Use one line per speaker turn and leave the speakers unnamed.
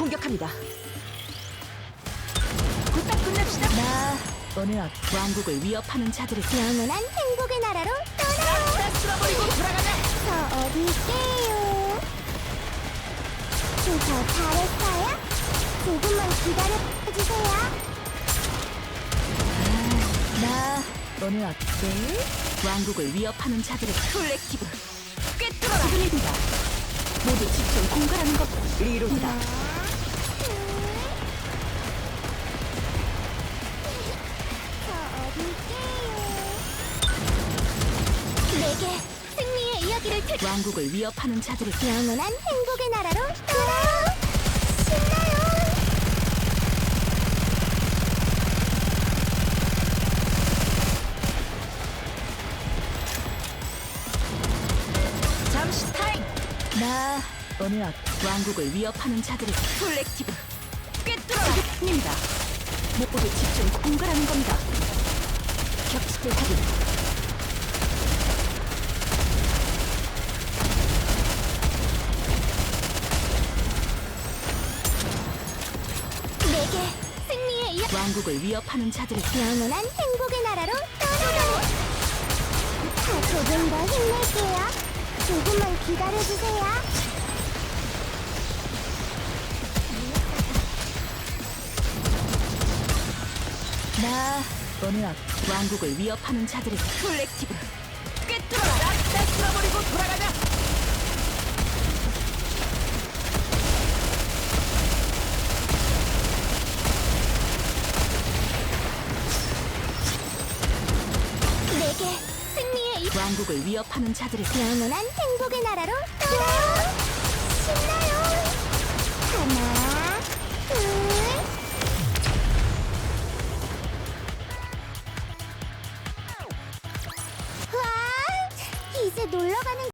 공격합니다. 부탁 끝냅시다.
나 오늘 왕국을 위협하는 자들을
영원한 행복의 나라로 떠나요.
다 쓸어버리고 돌아가자.
저 어디 있게요? 저 잘했어요? 조금만 기다려주세요.
나 오늘 어때? 왕국을 위협하는 자들을
콜렉티브 꿰뚫어라.
지금입니다. 모두 집중 공갈하는 것.
리로드다.
저 어디 있게요? 내게 승리의 이야기를
왕국을 위협하는 자들을
영원한 행복의 나라로 떠나요. 신나요.
잠시 타임.
나 오늘 왕국을 위협하는 자들을
콜렉티브 꿰뚫어라.
입니다. 모두 집중 공갈하는 겁니다. 격식을 확인.
내게 승리의 이야기.
왕국을 위협하는 자들을
영원한 행복의 나라로 떠나요. 조금 더 힘낼게요. 조금만 기다려주세요.
나 오늘 왕국을 위협하는 자들을
콜렉티브 꿰뚫어라. 다 쓸어버리고 돌아가자.
내게 승리의 이
왕국을 위협하는 자들을
영원한 행복의 나라로 떠나요. 신나요. 하나, 둘. 와, 이제 놀러 가는